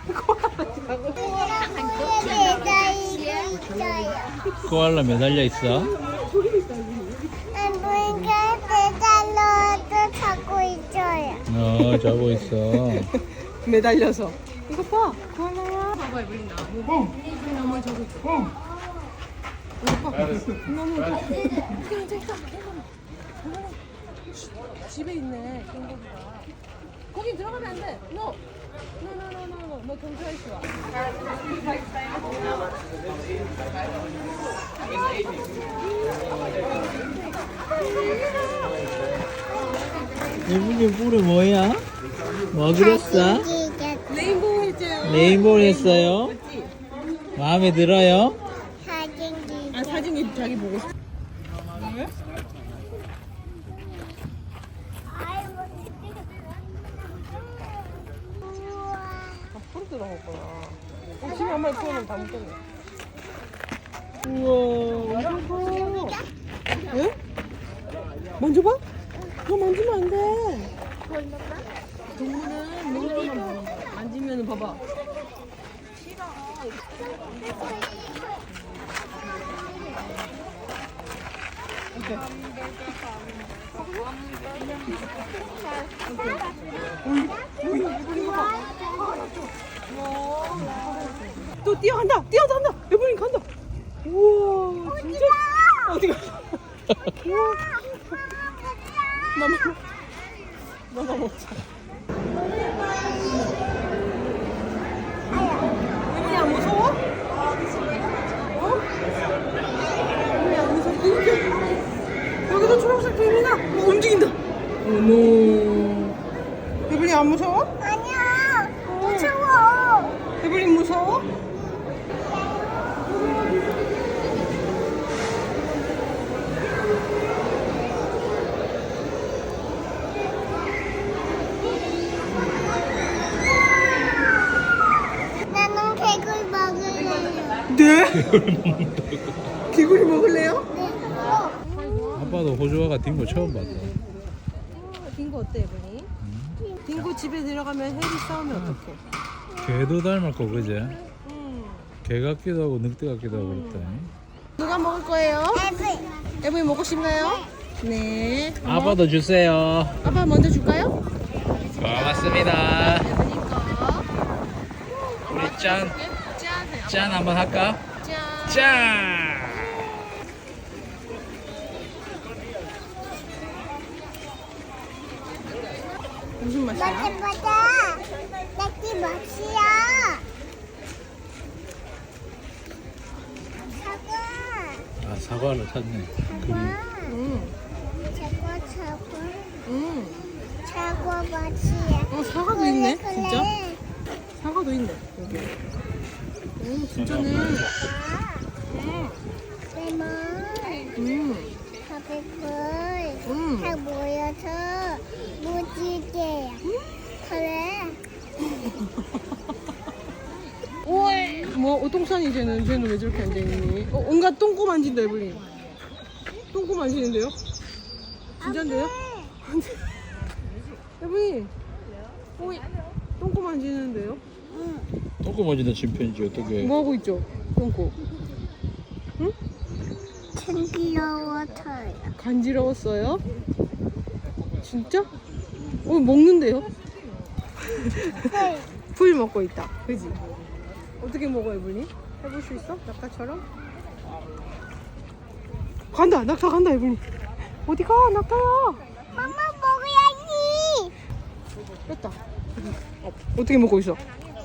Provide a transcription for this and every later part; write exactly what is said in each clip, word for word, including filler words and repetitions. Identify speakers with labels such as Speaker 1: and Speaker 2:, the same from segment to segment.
Speaker 1: 코알라 매달려 있어.
Speaker 2: 아버지가 매달려도 자고 있어요.
Speaker 1: 어, 자고 있어.
Speaker 3: 매달려서. 이거 봐. 코알라야. 봐봐, 에블린 나무. 나무 저기 있어. 이거 봐. 나무 저기. 저기 저기 있어. 집에 있네. 캥거루가. 거기 들어가면 안 돼. 너. 너너너너 너 경찰 있어.
Speaker 1: 이분이 뿔이 뭐야? 뭐 그렸어?
Speaker 3: 레인보우 했죠.
Speaker 1: 레인보우 했어요?
Speaker 3: 맞지?
Speaker 1: 마음에 들어요?
Speaker 2: 사진
Speaker 3: 아 사진이 자기 보고 싶어. 앞으로 들어갈 거야. 어, 집에 한 마리 키우면 다 먹겠네. 우와, 이거 봐. 응? 만져봐? 너 만지면 안 돼. 동물은 먹으면 만지면 봐봐. 이렇게. 또 뛰어간다. 뛰어간다. 에블린 간다. 우와, 진짜. 어디 가? 우와. 마마. 마마 먹자. 에블린 안 무서워? 어? 에블린 안 무서워? 이렇게. 여기도 초록색 개미다. 어, 움직인다. 어머. 에블린 안 무서워?
Speaker 2: 아니야. 무서워.
Speaker 3: 에블린 무서워?
Speaker 2: 나는 개굴 먹을래요.
Speaker 3: 네? 개구리 먹을래요?
Speaker 2: 네.
Speaker 1: 아빠도 호주와가 딩고 처음 봤다.
Speaker 3: 딩고 어때, 에블린? 딩고 집에 들어가면 해리 싸우면 어떡해?
Speaker 1: 개도 닮았고 그제?
Speaker 3: 음.
Speaker 1: 개 같기도 하고 늑대 같기도 하고 그렇다.
Speaker 3: 누가 먹을 거예요?
Speaker 2: 애플.
Speaker 3: 에블린 먹고 싶나요? 네. 어머.
Speaker 1: 아빠도 주세요.
Speaker 3: 아빠 먼저 줄까요?
Speaker 1: 고맙습니다.
Speaker 3: 에블린 거.
Speaker 1: 우리 짠,
Speaker 3: 짠. 해요.
Speaker 1: 짠 한번 할까?
Speaker 3: 짠.
Speaker 1: 짠!
Speaker 3: 무슨 맛이야?
Speaker 2: 맞아 맞아. 낙지 맛이야. 사과.
Speaker 1: 아, 사과를 샀네.
Speaker 2: 사과.
Speaker 3: 음.
Speaker 2: 사과 사과.
Speaker 3: 음.
Speaker 2: 사과 맛이야.
Speaker 3: 어, 사과도 있네,
Speaker 2: 그래,
Speaker 3: 진짜?
Speaker 2: 그래.
Speaker 3: 사과도 있네, 여기. 오, 진짜네. 음.
Speaker 2: 레몬.
Speaker 3: 음.
Speaker 2: 파프풀.
Speaker 3: 음.
Speaker 2: 다 모여서 무지개야. 그래.
Speaker 3: 뭐, 똥산이 쟤는, 쟤는 왜 저렇게 앉아있니? 어, 온갖 똥꼬 만진다, 에블린. 똥꼬 만지는데요? 진짠데요? 에블린. 어이, 똥꼬 만지는데요?
Speaker 1: 똥꼬 맞이는 침팬지 어떻게?
Speaker 3: 뭐 하고 있죠? 똥꼬. 응?
Speaker 2: 챙기러워서요.
Speaker 3: 간지러웠어요? 진짜? 어, 먹는데요? 풀 먹고 있다. 그지? 어떻게 먹어, 에블린? 해볼 수 있어? 낙타처럼? 간다! 낙타 간다, 에블린. 어디 가? 낙타야!
Speaker 2: 엄마 먹어야지.
Speaker 3: 뺐다. 어, 어떻게 먹고 있어?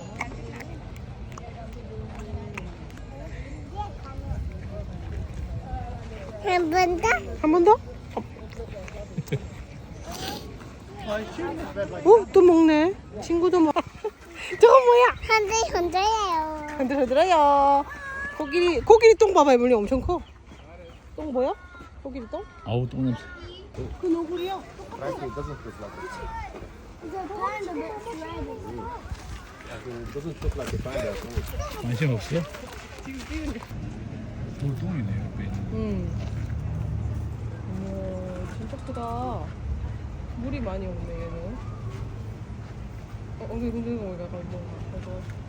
Speaker 2: 한 번 더?
Speaker 3: 한 번 더? 어? 또 먹네. 친구도 먹. 저건 뭐야?
Speaker 2: 한대 혼자예요.
Speaker 3: 흔들흔들해요. 코끼리 코끼리 똥 봐봐, 에블린 엄청 커. 똥 보여? 코끼리 똥?
Speaker 1: 아우 똥 냄새.
Speaker 3: 그 너구리야.
Speaker 4: Actually, it doesn't look like it. It doesn't look like a panda at all.
Speaker 1: 관심 없어? 돌똥이네 옆에 있는.
Speaker 3: 응. 어머, 진짜 크다. 물이 많이 없네, 얘는. 어, 엉덩이 흔드는 거 보니까 약간 뭔가, 그래서